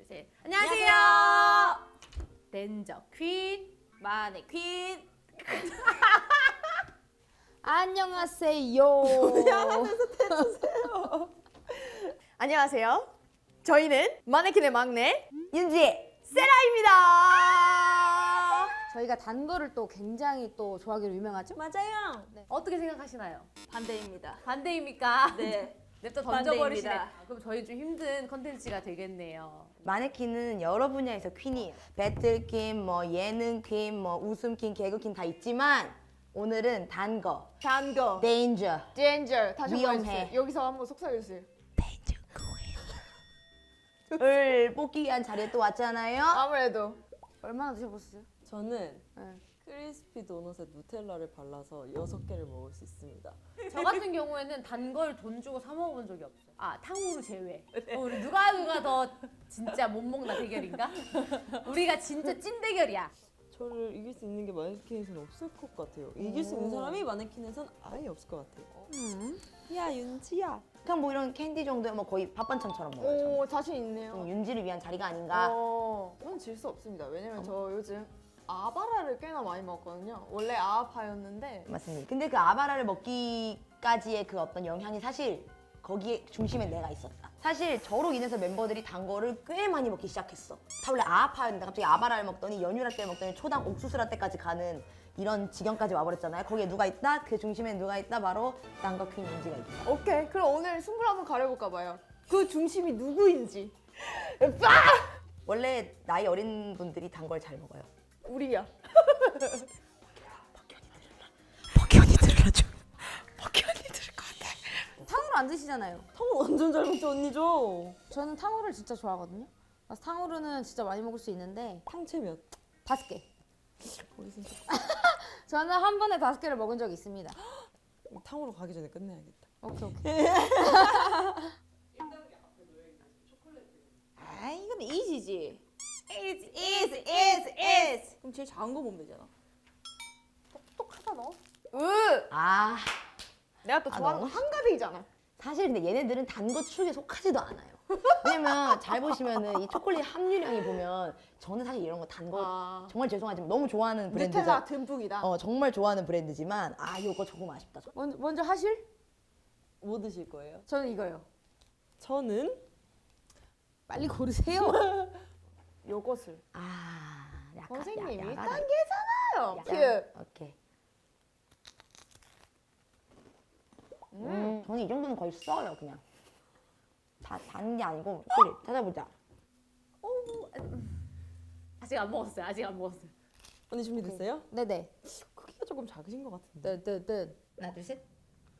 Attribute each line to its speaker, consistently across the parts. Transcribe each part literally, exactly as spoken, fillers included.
Speaker 1: 셋. 안녕하세요. 댄저 퀸 마네퀸.
Speaker 2: 안녕하세요.
Speaker 3: 안녕하세요. 저희는 마네킹의 막내
Speaker 2: 윤지.
Speaker 3: 세라입니다.
Speaker 2: 저희가 단 거를 또 굉장히 또 좋아하기로 유명하죠?
Speaker 3: 맞아요.
Speaker 1: 어떻게 생각하시나요?
Speaker 3: 반대입니다.
Speaker 1: 반대입니까?
Speaker 3: 네.
Speaker 1: 냅다 던져버리시네.
Speaker 3: 반대입니다.
Speaker 1: 아, 그럼 저희 좀 힘든 컨텐츠가 되겠네요.
Speaker 4: 마네킹은 여러 분야에서 퀸이에요. 배틀퀸, 뭐 예능퀸, 뭐 웃음퀸, 개그퀸 다 있지만 오늘은 단 거,
Speaker 3: 단 거.
Speaker 4: 데인저.
Speaker 3: 젠저. 다시 한번
Speaker 4: 위험해.
Speaker 3: 해주세요. 여기서 한번 속삭여주세요.
Speaker 4: 을 뽑기 위한 자리에 또 왔잖아요.
Speaker 3: 아무래도.
Speaker 2: 얼마나 드셔보셨어요?
Speaker 5: 저는
Speaker 2: 네.
Speaker 5: 크리스피 도넛에 누텔라를 발라서 여섯 개를 먹을 수 있습니다.
Speaker 1: 저 같은 경우에는 단 걸 돈 주고 사 먹어본 적이 없어요. 아, 탕후루 제외. 어, 우리 누가 누가 더 진짜 못 먹나 대결인가? 우리가 진짜 찐 대결이야.
Speaker 5: 저를 이길 수 있는 게 마네킹에서는 없을 것 같아요. 이길 수 있는 사람이 마네킹에선 아예 없을 것 같아요.
Speaker 2: 음.
Speaker 5: 야 윤지야.
Speaker 4: 그냥 뭐 이런 캔디 정도면 뭐 거의 밥반찬처럼 먹어요. 저는.
Speaker 3: 오, 자신 있네요.
Speaker 4: 좀 윤지를 위한 자리가 아닌가.
Speaker 3: 어, 저는 질 수 없습니다. 왜냐면 저 요즘 아바라를 꽤나 많이 먹거든요. 원래 아파였는데
Speaker 4: 맞습니다. 근데 그 아바라를 먹기까지의 그 어떤 영향이 사실 거기에 중심에 내가 있었다. 사실 저로 인해서 멤버들이 단 거를 꽤 많이 먹기 시작했어. 다 원래 아파였는데 갑자기 아바라를 먹더니 연유라떼를 먹더니 초당 옥수수라떼까지 가는 이런 지경까지 와버렸잖아요. 거기에 누가 있다? 그 중심에 누가 있다? 바로 딴거 퀸 윤지가 있다.
Speaker 3: 오케이. 그럼 오늘 승부를 한번 가려볼까 봐요. 그 중심이 누구인지. 빠!
Speaker 4: 원래 나이 어린 분들이 단 걸 잘 먹어요.
Speaker 3: 우리야.
Speaker 4: 박현이 들려줘. 박현이 들을 것 같아.
Speaker 2: 탕후루 안 드시잖아요.
Speaker 5: 탕후루 완전 잘 먹죠 언니죠?
Speaker 2: 저는 탕후루를 진짜 좋아하거든요. 그래서 탕후루는 진짜 많이 먹을 수 있는데
Speaker 5: 탕채 몇?
Speaker 2: 다섯 개.
Speaker 5: 거기 진짜
Speaker 2: 저는 한 번에 다섯 개를 먹은 적이 있습니다.
Speaker 5: 탕후루 가기 전에 끝내야겠다.
Speaker 2: 오케이 오케이.
Speaker 6: 아 이건 이지지.
Speaker 3: Is,
Speaker 6: is is is. 그럼 제일 작은 거 보면 되잖아.
Speaker 3: 똑똑하잖아. 으!
Speaker 4: 아,
Speaker 3: 내가 또
Speaker 4: 아,
Speaker 3: 좋아하는 거
Speaker 4: 너무
Speaker 3: 한가득이잖아.
Speaker 4: 사실 근데 얘네들은 단 거 축에 속하지도 않아요. 왜냐면 잘 보시면은 이 초콜릿 함유량이 보면 저는 사실 이런 거 단 거
Speaker 3: 아.
Speaker 4: 정말 죄송하지만 너무 좋아하는 브랜드죠.
Speaker 3: 누텔라 듬뿍이다.
Speaker 4: 어 정말 좋아하는 브랜드지만 아 이거 조금 아쉽다. 저.
Speaker 2: 먼저, 먼저 하실?
Speaker 5: 뭐 드실 거예요?
Speaker 2: 저는 이거요.
Speaker 5: 저는
Speaker 2: 빨리 고르세요.
Speaker 3: 요것을.
Speaker 4: 아 약간
Speaker 3: 선생님이
Speaker 4: 야, 야간-
Speaker 3: 단계잖아요.
Speaker 4: 야간-
Speaker 3: 큐.
Speaker 4: 오케이. 음, 저는 이 정도는 거의 써요 그냥. 다단게 아니고 그래 찾아보자.
Speaker 1: 아직 안 먹었어요. 아직 안 먹었어요.
Speaker 5: 언니 준비됐어요?
Speaker 2: 네네.
Speaker 5: 크기가 조금 작으신 것 같은데.
Speaker 2: 뜨뜨뜨.
Speaker 4: 하나 둘 셋.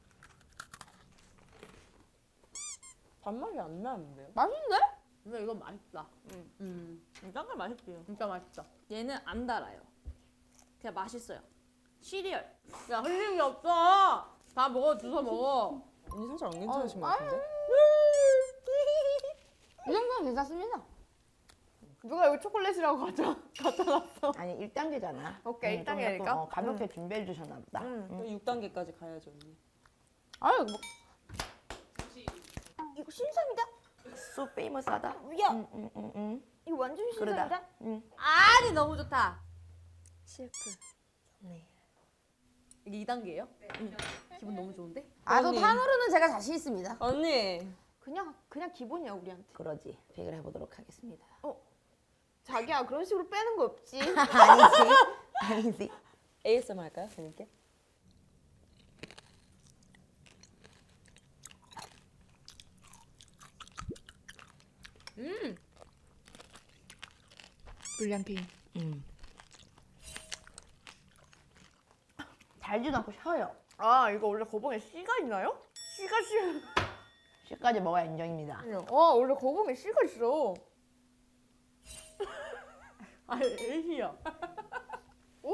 Speaker 5: 단맛이 안 나는데요?
Speaker 2: 맛있는데?
Speaker 1: 근데 이건 맛있다. 음,
Speaker 6: 딴거 맛있대요.
Speaker 1: 진짜 맛있다.
Speaker 6: 얘는 안 달아요. 그냥 맛있어요. 시리얼.
Speaker 1: 야, 흘림이 없어. 다 먹어, 주워 먹어.
Speaker 5: 언니 살짝 안 괜찮으신 것 같은데?
Speaker 2: 이 정도는 괜찮습니다.
Speaker 3: 누가 여기 초콜릿이라고 가져, 가져놨어.
Speaker 4: 아니 일 단계잖아.
Speaker 3: 오케이, 일
Speaker 4: 좀
Speaker 3: 단계니까?
Speaker 4: 약간, 어, 가볍게 준비해 주셨나 보다.
Speaker 3: 음.
Speaker 5: 육 단계까지 가야죠 언니.
Speaker 2: 아유 뭐
Speaker 3: 이거 신상이다.
Speaker 4: So famous하다.
Speaker 3: 야,
Speaker 4: 응, 응, 응, 응.
Speaker 3: 이거 완전
Speaker 4: 그러다.
Speaker 3: 신상이다.
Speaker 4: 응.
Speaker 1: 아니, 너무 좋다.
Speaker 4: 실프. 네.
Speaker 1: 이게 이 단계예요? 네. 기분 너무 좋은데?
Speaker 2: 아 저
Speaker 5: 언니.
Speaker 2: 탕후루는 제가 자신 있습니다.
Speaker 5: 언니
Speaker 3: 그냥 그냥 기본이야 우리한테.
Speaker 4: 그러지. 픽을 해보도록 하겠습니다.
Speaker 3: 자기야 그런 식으로 빼는 거 없지.
Speaker 4: 아니지. 아니지.
Speaker 5: 에이에스엠알 할까요 언니께?
Speaker 6: 불량피.
Speaker 4: 음. 달지도 않고 셔요.
Speaker 3: 아 이거 원래 거봉에 씨가 있나요? 씨가 씨.
Speaker 4: 씨까지 먹어야 인정입니다.
Speaker 3: 어 원래 거봉에 씨가 있어.
Speaker 1: 아, 애기야. 오!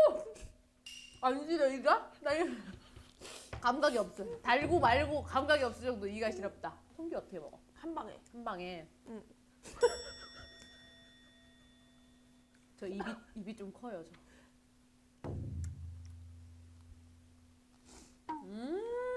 Speaker 1: 아니지, 이가? 나 이거 감각이 없어. 달고 말고 감각이 없을 정도 이가 시렵다. 성기 어떻게 먹어?
Speaker 3: 한 방에.
Speaker 1: 한 방에.
Speaker 3: 응.
Speaker 1: 저 입이 입이 좀 커요, 저.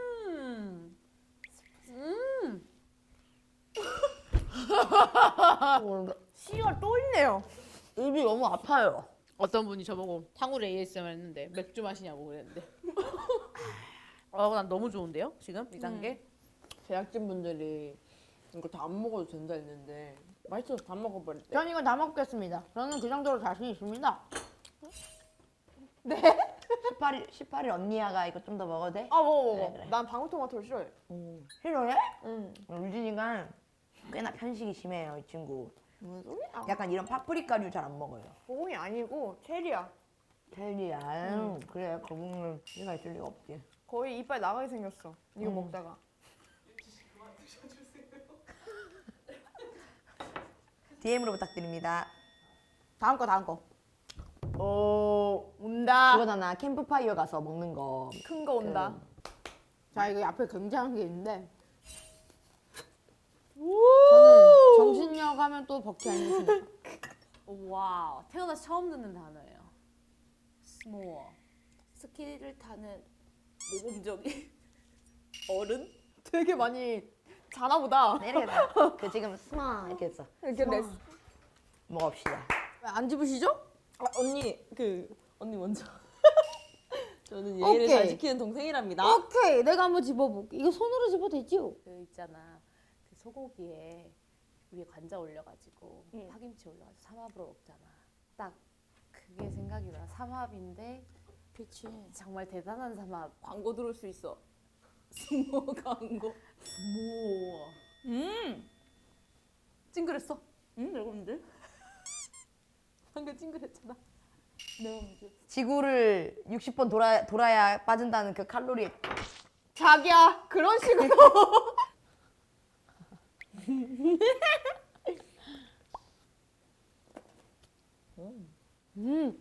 Speaker 1: 음. 음.
Speaker 3: 아, 씨가 또 있네요.
Speaker 4: 입이 너무 아파요.
Speaker 1: 어떤 분이 저보고 탕후루 에이에스엠알 했는데 맥주 마시냐고 그랬는데. 어, 난 너무 좋은데요? 지금 이 단계?
Speaker 5: 제작진 분들이 이거 다 안 먹어도 된다 했는데 맛있어서 다 먹어버릴 때.
Speaker 2: 전 이거 다 먹겠습니다. 저는 그 정도로 자신 있습니다.
Speaker 4: 십팔 일, 십팔 일 언니야가 이거 좀 더 먹어도 돼?
Speaker 3: 아 먹어 먹어.
Speaker 4: 그래, 그래.
Speaker 3: 난 방울토마토를 싫어해.
Speaker 4: 싫어해?
Speaker 3: 응.
Speaker 4: 유진이가 꽤나 편식이 심해요, 이 친구.
Speaker 3: 무슨 소리야?
Speaker 4: 약간 이런 파프리카류 잘 안 먹어요.
Speaker 3: 소금이 아니고 체리야.
Speaker 4: 텔리야, 음. 그래, 거북은 얘가 있을 리가 없지.
Speaker 3: 거의 이빨 나가게 생겼어. 이거
Speaker 4: 음.
Speaker 3: 먹다가.
Speaker 4: 디엠으로 부탁드립니다.
Speaker 2: 다음 거 다음 거.
Speaker 3: 오 온다.
Speaker 4: 그거잖아, 캠프파이어 가서 먹는 거.
Speaker 3: 큰 거 온다.
Speaker 2: 자 이거 앞에 굉장한 게 있는데. 저는 정신력 하면 또 버키 아니겠습니까?
Speaker 1: 와우, 태어나서 처음 듣는 단어예요. 스모어.
Speaker 6: 스키를 타는 모범적인 어른?
Speaker 3: 되게 많이 자나 보다.
Speaker 4: 이렇게 그 지금 스마 이렇게 했어.
Speaker 3: 이렇게 내
Speaker 4: 먹읍시다.
Speaker 2: 왜 안 집으시죠?
Speaker 5: 아, 언니 그 언니 먼저. 저는 예의를
Speaker 2: 오케이.
Speaker 5: 잘 지키는 동생이랍니다.
Speaker 2: 오케이, 내가 한번 집어볼게. 이거 손으로 집어도 되지요?
Speaker 1: 그 있잖아, 그 소고기에 위에 관자 올려가지고
Speaker 6: 응.
Speaker 1: 파김치 올려가지고 삼합으로 먹잖아. 딱 그게 생각이 나. 삼합인데
Speaker 6: 그치.
Speaker 1: 정말 대단한 삼합.
Speaker 6: 광고 들어올 수 있어. 스모 광고.
Speaker 1: 스모어.
Speaker 6: 음.
Speaker 1: 찡그랬어.
Speaker 6: 음, 여러분들.
Speaker 1: 방금 찡그랬잖아.
Speaker 4: 지구를 육십 번 돌아, 돌아야 빠진다는 그 칼로리.
Speaker 3: 자기야 그런 식으로.
Speaker 2: 음,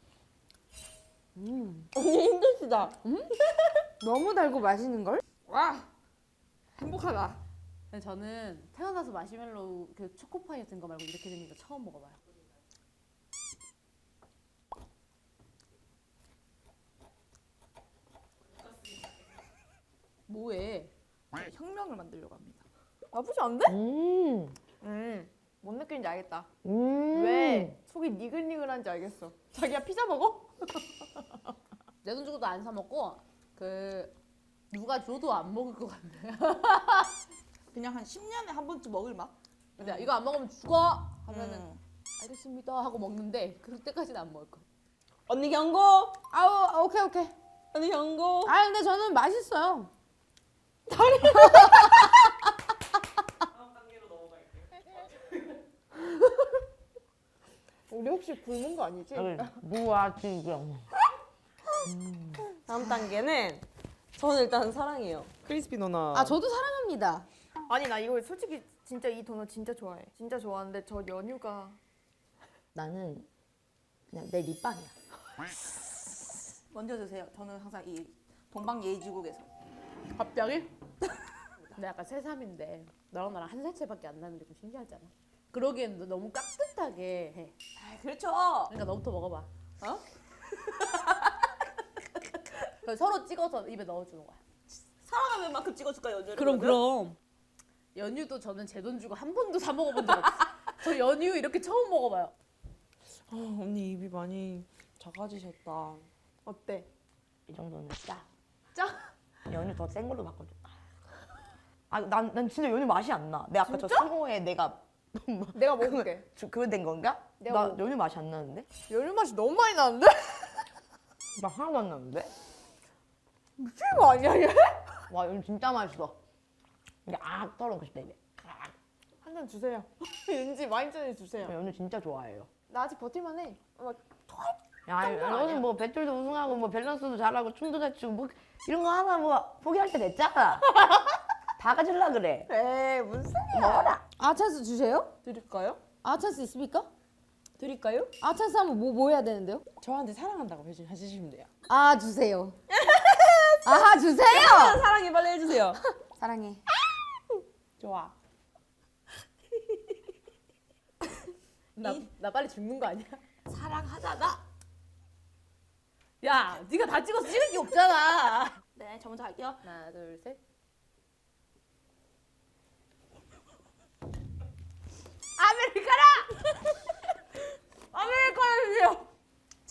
Speaker 5: 언니 힘드시다.
Speaker 2: 너무 달고 맛있는 걸?
Speaker 3: 와 행복하다.
Speaker 1: 근데 저는 태어나서 마시멜로우 그 초코파이 같은 거 말고 이렇게 생긴 거 처음 먹어봐요. 뭐해?
Speaker 6: 혁명을 만들려고 합니다.
Speaker 3: 나쁘지 않은데?
Speaker 4: 음.
Speaker 3: 음. 뭔 느낌인지 알겠다.
Speaker 4: 음.
Speaker 3: 왜 속이 니글니글한지 알겠어. 자기야 피자 먹어?
Speaker 1: 내 돈 주고도 안 사 먹고 그 누가 줘도 안 먹을 것 같네.
Speaker 6: 그냥 한 십 년에 한 번쯤 먹을 맛?
Speaker 1: 근데 이거 안 먹으면 죽어 하면은
Speaker 6: 음.
Speaker 1: 알겠습니다 하고 먹는데 그때까지는 안 먹을 거야.
Speaker 5: 언니 경고.
Speaker 2: 아우, 오케이 오케이.
Speaker 5: 언니 경고.
Speaker 2: 아 근데 저는 맛있어요.
Speaker 3: 우리 혹시 굶은 거 아니지?
Speaker 4: 무아 지금.
Speaker 5: 다음 단계는 저는 일단 사랑해요. 크리스피 도넛.
Speaker 2: 아 저도 사랑합니다.
Speaker 3: 아니 나 이거 솔직히 진짜 이 도넛 진짜 좋아해. 진짜 좋아하는데 저 연유가
Speaker 4: 나는 그냥 내 립밤이야.
Speaker 6: 먼저 드세요. 저는 항상 이 동방 예의지국에서.
Speaker 1: 갑자기? 근데 약간 새삼인데 너랑 나랑 한 살 차이밖에 안 나는데 좀 신기하잖아. 그러기엔 너 너무 깍듯하게 해.
Speaker 6: 아, 그렇죠.
Speaker 1: 그러니까 너부터 먹어봐. 어? 그럼 서로 찍어서 입에 넣어주는 거야.
Speaker 6: 사랑하는 만큼 찍어줄까 연주를?
Speaker 1: 그럼. 연유도 저는 제 돈 주고 한 번도 사 먹어본 적 없어. 저 연유 이렇게 처음 먹어봐요.
Speaker 5: 어, 언니 입이 많이 작아지셨다.
Speaker 3: 어때?
Speaker 4: 이 정도는 짜.
Speaker 3: 짜?
Speaker 4: 연유 더 센 걸로 바꿔줘. 아, 난, 난 진짜 연유 맛이 안 나. 내가 아까 저 상호에 내가
Speaker 3: 내가 먹을게.
Speaker 4: 저- 그거 된 건가?
Speaker 3: 내가
Speaker 4: 나
Speaker 3: 먹-
Speaker 4: 연유 맛이 안 나는데?
Speaker 3: 연유 맛이 너무 많이 나는데?
Speaker 4: 나 하나도 안 나는데?
Speaker 3: 미친 거 아니야 얘?
Speaker 4: 와, 연유 진짜 맛있어. 이게 악 떨어놓고 싶다 입에.
Speaker 3: 한 잔 주세요. 윤지 와인잔 주세요.
Speaker 4: 저 연유 진짜 좋아해요.
Speaker 3: 나 아직 버틸만해. 막
Speaker 4: 야, 너는 뭐 배틀도 우승하고 뭐 밸런스도 잘하고 춤도 잘 추고 뭐 이런 거 하나 뭐 포기할 때 됐잖아. 다 가질라 그래.
Speaker 3: 에이 무슨
Speaker 4: 먹어라.
Speaker 2: 아찬스 주세요?
Speaker 5: 드릴까요?
Speaker 2: 아찬스 있습니까?
Speaker 5: 드릴까요?
Speaker 2: 아찬스 하면 뭐, 뭐 해야 되는데요?
Speaker 5: 저한테 사랑한다고 해주- 해주시면 돼요.
Speaker 2: 아 주세요. 아 주세요.
Speaker 5: 사랑해 빨리 해주세요.
Speaker 2: 사랑해.
Speaker 5: 좋아.
Speaker 1: 나, 나 빨리 죽는 거 아니야?
Speaker 6: 사랑하다가.
Speaker 1: 야, 네가 다 찍어서 찍을 게 없잖아.
Speaker 6: 네, 저 먼저 할게요.
Speaker 1: 하나, 둘, 셋. 아메리카노!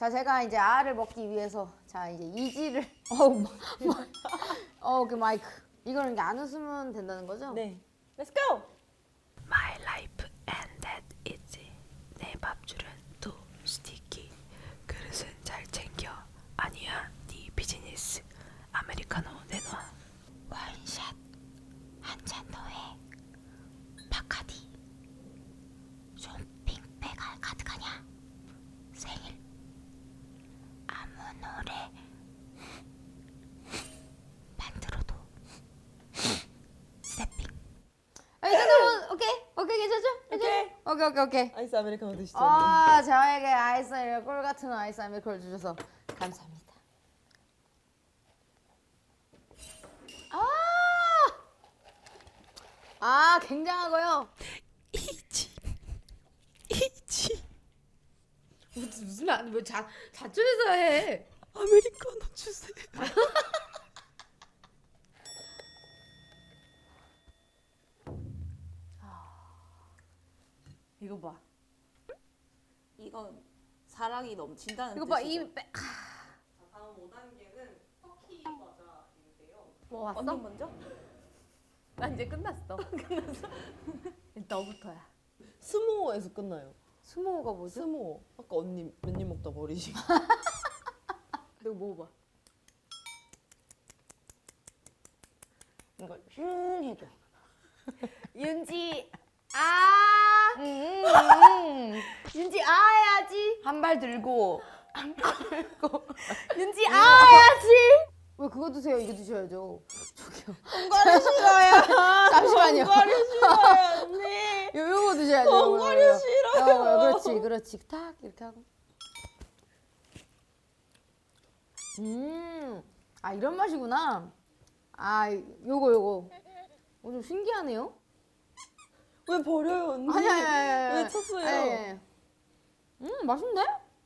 Speaker 2: 자, 제가 이제 아를 먹기 위해서 자 이제 이지를 어우 마- 마- 어, 그 마이크 이거는 이제 안 웃으면 된다는 거죠?
Speaker 5: 네. Let's go.
Speaker 7: My life and that is 내 밥줄은 또 스티키 그릇은 잘 챙겨 아니야 네 비즈니스 아메리카노 내놔 와인샷 한 잔 더해 바카디 쇼핑백 할 카드 가냐 생일 아무 노래 만들어도 세핑
Speaker 2: 아, 이 정도면 오케이 오케이 괜찮죠?
Speaker 5: 오케이.
Speaker 2: 오케이 오케이 오케이.
Speaker 5: 아이스 아메리카노 드시죠. 언니.
Speaker 2: 아, 저에게 아이스 아메리카노 꿀 같은 아이스 아메리카노를 주셔서 감사합니다. 아, 아 굉장하고요.
Speaker 7: 이지 이지
Speaker 1: 무슨 무슨 말? 왜자 자초해서 해?
Speaker 7: 아메리카노 주세요.
Speaker 1: 이거 봐.
Speaker 6: 이건 사랑이 넘친다는
Speaker 1: 이거 봐.
Speaker 6: 뜻이죠.
Speaker 1: 이 빼.
Speaker 5: 다음 오 단계는 터키 과자인데요.
Speaker 1: 뭐 왔어?
Speaker 6: 언니 먼저?
Speaker 1: 난 이제 끝났어. 끝났어. 너부터야.
Speaker 5: 스모어에서 끝나요.
Speaker 2: 스모가 뭐죠?
Speaker 5: 스모어. 아까 언니 몇 입 먹다 버리신.
Speaker 1: 내가 먹어봐.
Speaker 4: 이거 슝 해줘.
Speaker 1: 윤지 아
Speaker 4: 음,
Speaker 1: 윤지 아 해야지.
Speaker 4: 한 발 들고
Speaker 1: 윤지 아 해야지.
Speaker 2: 왜 그거 드세요? 이거 드셔야죠.
Speaker 5: 엉거리 싫어요.
Speaker 2: 잠시만요.
Speaker 5: 엉거리 싫어요 언니.
Speaker 2: 요 요거 드셔야죠.
Speaker 5: 엉거리
Speaker 2: 요거, 요거.
Speaker 5: 싫어요.
Speaker 2: 어, 그렇지, 그렇지. 탁 이렇게 하고. 음, 아 이런 맛이구나. 아, 요거 요거. 어, 좀 신기하네요.
Speaker 5: 왜 버려요 언니?
Speaker 2: 아니 아니 아니.
Speaker 5: 왜 쳤어요?
Speaker 2: 아니, 아니. 음, 맛있는데?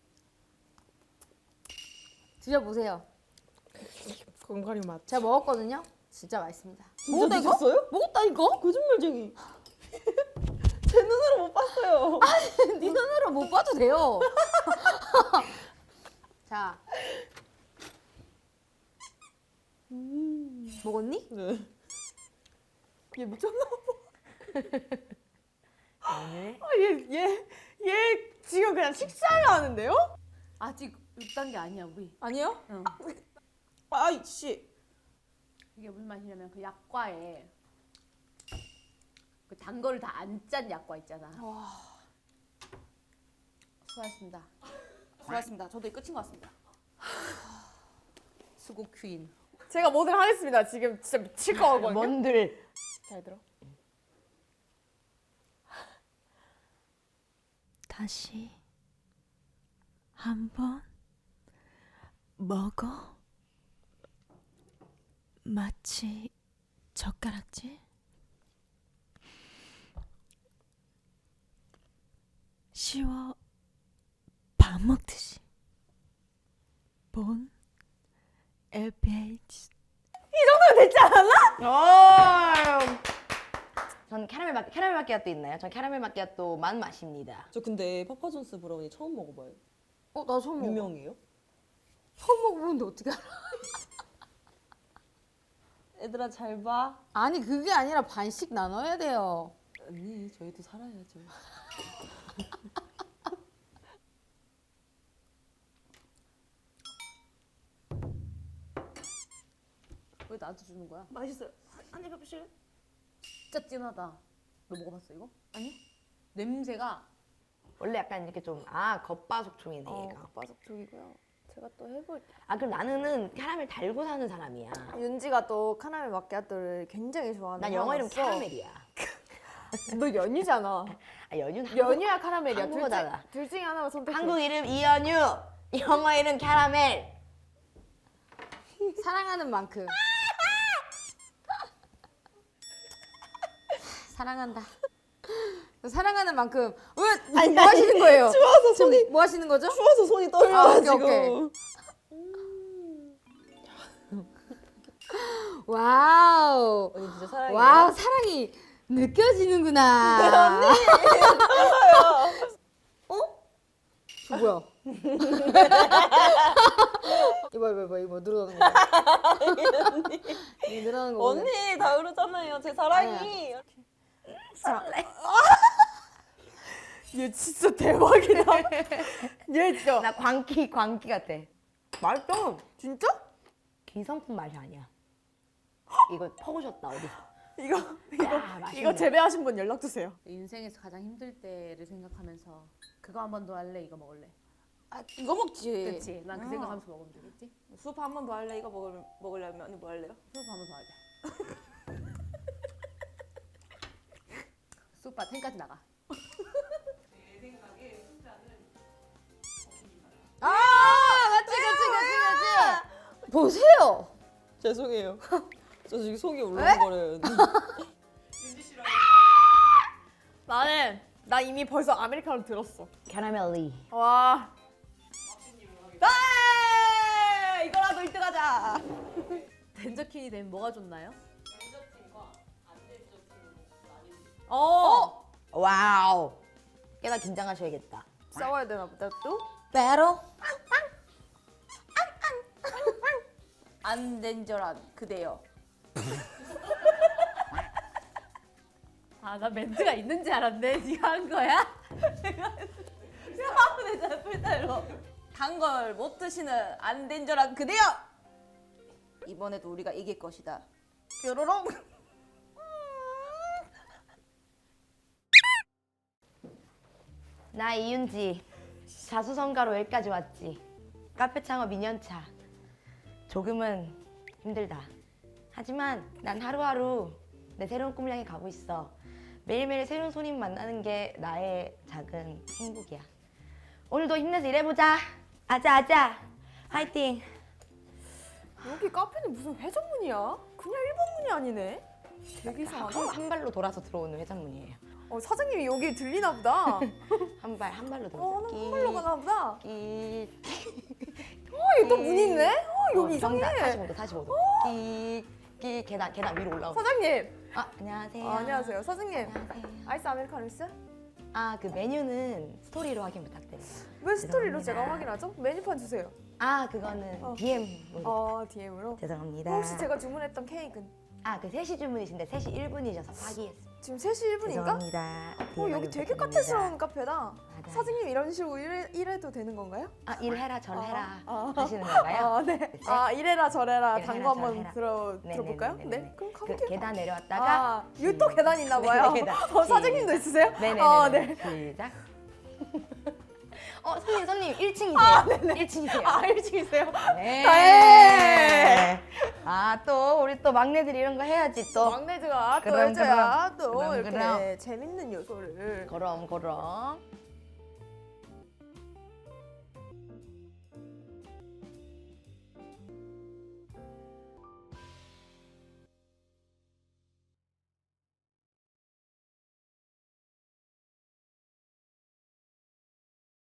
Speaker 2: 드셔보세요.
Speaker 5: 건가리 맛.
Speaker 2: 제가 먹었거든요. 진짜 맛있습니다.
Speaker 5: 진짜
Speaker 2: 먹었다, 이거?
Speaker 5: 드셨어요?
Speaker 2: 먹었다니까?
Speaker 5: 거짓말쟁이. 제 눈으로 못 봤어요.
Speaker 2: 네 눈으로 못 봐도 돼요. 자. 먹었니?
Speaker 5: 네. 얘 미쳤나 봐. 얘, 얘, 얘 지금 그냥 식사를 하는데요?
Speaker 1: 아직 육 단계 아니야 우리.
Speaker 5: 아니요?
Speaker 1: 응.
Speaker 5: 아이씨.
Speaker 1: 이게 무슨 맛이냐면 그 약과에 그 단 거를 다 안 짠 약과 있잖아. 수고하셨습니다.
Speaker 6: 수고하셨습니다. 저도 이 끝인 것 같습니다.
Speaker 1: 수고 퀸.
Speaker 3: 제가 뭐든 하겠습니다. 지금 진짜 미칠 거거든요.
Speaker 4: 뭔들
Speaker 3: 잘 들어.
Speaker 7: 다시 한번 먹어 마치 젓가락질 쉬워 밥 먹듯이 본 엘피에이치
Speaker 4: 전 캐러멜 마키 캐러멜 마키아또 있나요? 전 캐러멜 마키아또만 마십니다.
Speaker 5: 저 근데 파파존스 브라우니 처음 먹어봐요.
Speaker 2: 어, 나 처음 먹어.
Speaker 5: 유명해요?
Speaker 2: 처음 먹어보는데 어떻게 알아?
Speaker 5: 얘들아 잘 봐.
Speaker 2: 아니, 그게 아니라 반씩 나눠야 돼요.
Speaker 5: 언니 저희도 살아야죠.
Speaker 1: 왜 나한테 주는 거야?
Speaker 6: 맛있어요. 한입 해보실래?
Speaker 1: 진짜 진하다. 너 먹어봤어 이거? 아니? 냄새가
Speaker 4: 원래 약간 이렇게 좀 아 겉바속촉이네
Speaker 3: 어,
Speaker 4: 얘가.
Speaker 3: 바삭촉이고요. 제가 또 해볼게요.
Speaker 4: 아 그럼 나는 캐러멜 달고 사는 사람이야.
Speaker 3: 윤지가 또 카라멜 마키아토를 굉장히 좋아하는
Speaker 4: 난 영어 이름
Speaker 3: 사람으로서
Speaker 4: 캐러멜이야.
Speaker 3: 너 연유잖아.
Speaker 4: 아 연유는
Speaker 3: 연유야 카라멜이야. 둘,
Speaker 4: 한국어잖아.
Speaker 3: 중, 둘 중에 하나만 선택해.
Speaker 4: 한국 이름 이연유, 영어 이름 캐러멜.
Speaker 2: 사랑하는 만큼. 사랑한다. 사랑하는 만큼. 왜, 뭐 하시는 거예요?
Speaker 5: 추워서 손이
Speaker 2: 뭐 하시는 거죠?
Speaker 5: 추워서 손이 떨려
Speaker 2: 아, 오케이,
Speaker 5: 지금.
Speaker 2: 오케이. 와우.
Speaker 5: 언니 진짜 사랑해요.
Speaker 2: 와우, 사랑이 느껴지는구나. 언니. 어? 저 뭐야? 이봐 이봐 이봐 이봐 늘어나는 거. 이거 늘어나는 거. 보네.
Speaker 5: 언니 다 그러잖아요. 제 사랑이.
Speaker 3: 얘 진짜 대박이다. 얘 진짜.
Speaker 4: 나 광기 광기 같아.
Speaker 3: 맛있다. 진짜?
Speaker 4: 기성품 맛이 아니야. 이거 퍼오셨다 어디?
Speaker 3: 이거
Speaker 4: 야, 맛있네.
Speaker 3: 이거 재배하신 분 연락 주세요.
Speaker 1: 인생에서 가장 힘들 때를 생각하면서 그거 한 번 더 할래? 이거 먹을래?
Speaker 6: 아 이거 먹지.
Speaker 1: 그렇지. 난 그 생각하면서 먹으면 되겠지.
Speaker 5: 수프 한 번 더 할래? 이거 먹을, 먹으려면 언니 뭐 할래요?
Speaker 1: 수업 한번 더 하자. 수오빠 텐까지 나가.
Speaker 2: 아 맞지 그치 그치 그치. 보세요.
Speaker 5: 죄송해요. 저 지금 속이 울렁거려요.
Speaker 3: 나는 나 이미 벌써 아메리카노 들었어.
Speaker 4: 캐러멜리.
Speaker 3: 와.
Speaker 5: 아, 이거라도 일 등 하자.
Speaker 1: 덴저킨이 되면 뭐가 좋나요?
Speaker 3: 어.
Speaker 4: 와우. 꽤나 긴장하셔야겠다.
Speaker 3: 싸워야 되나 보다 또.
Speaker 4: 배로.
Speaker 6: 안덴절한 그대여.
Speaker 1: 아, 나 멘트가 있는지 알았네. 네가 한 거야?
Speaker 6: 하면 되잖아 풀타로. 단 걸 못 드시는 안덴절한 그대여. 이번에도 우리가 이길 것이다. 뾰로롱.
Speaker 4: 나 이윤지. 자수성가로 여기까지 왔지. 카페 창업 이 년 차. 조금은 힘들다. 하지만 난 하루하루 내 새로운 꿈을 향해 가고 있어. 매일매일 새로운 손님 만나는 게 나의 작은 행복이야. 오늘도 힘내서 일해보자. 아자 아자. 화이팅.
Speaker 3: 여기 카페는 무슨 회전문이야? 그냥 일 번 문이 아니네. 되게 이상하다.
Speaker 4: 한, 한 발로 돌아서 들어오는 회전문이에요.
Speaker 3: 어, 사장님이 여기 들리나 보다.
Speaker 4: 한 발 한 발로
Speaker 3: 어,
Speaker 4: 돌아서.
Speaker 3: 한 발로 가나 보다.
Speaker 4: 끼.
Speaker 3: 어, 여기 또 문이 있네? 어, 여기 이상해.
Speaker 4: 사십오 도 사십오 도. 끼. 끼. 계단 계단 위로 올라오고.
Speaker 3: 사장님.
Speaker 4: 아 안녕하세요.
Speaker 3: 어, 안녕하세요. 사장님.
Speaker 4: 안녕하세요.
Speaker 3: 아이스 아메리카노 있어요?
Speaker 4: 아 그 메뉴는 스토리로 확인 부탁드려요.
Speaker 3: 왜 스토리로
Speaker 4: 죄송합니다.
Speaker 3: 제가 확인하죠? 메뉴판 주세요.
Speaker 4: 아 그거는
Speaker 3: 어.
Speaker 4: 디엠으로.
Speaker 3: 어, 디엠으로.
Speaker 4: 죄송합니다.
Speaker 3: 혹시 제가 주문했던 케이크는?
Speaker 4: 아그 세 시 주문이신데 세 시 일 분이셔서 파기했어요.
Speaker 3: 지금 세 시 일 분인가?
Speaker 4: 죄송합니다.
Speaker 3: 어, 여기 되게 카페스러운 카페다.
Speaker 4: 맞아요.
Speaker 3: 사장님 이런 식으로 일해, 일해도 되는 건가요?
Speaker 4: 아 일해라 절해라
Speaker 3: 아,
Speaker 4: 하시는 건가요?
Speaker 3: 아, 네. 아, 이래라 저래라
Speaker 4: 이래라
Speaker 3: 단거 한번
Speaker 4: 저래라.
Speaker 3: 들어,
Speaker 4: 네네네네네.
Speaker 3: 들어볼까요? 네, 그럼
Speaker 4: 그
Speaker 3: 가볼게요.
Speaker 4: 계단 내려왔다가
Speaker 3: 아, 여기 또 계단 있나 봐요.
Speaker 4: 네, 계단.
Speaker 3: 어, 사장님도 있으세요?
Speaker 4: 네네네.
Speaker 3: 아, 네.
Speaker 4: 시작. 어 손님 손님 일 층이세요. 일 층이세요.
Speaker 3: 아, 일 층이세요?
Speaker 4: 네.
Speaker 3: 다행.
Speaker 4: 아 또 우리 또 막내들이 이런 거 해야지 또.
Speaker 3: 막내즈가 또
Speaker 4: 그럼,
Speaker 3: 해줘야 또
Speaker 4: 그럼,
Speaker 3: 이렇게
Speaker 4: 그럼.
Speaker 3: 재밌는 요소를.
Speaker 4: 그럼 그럼.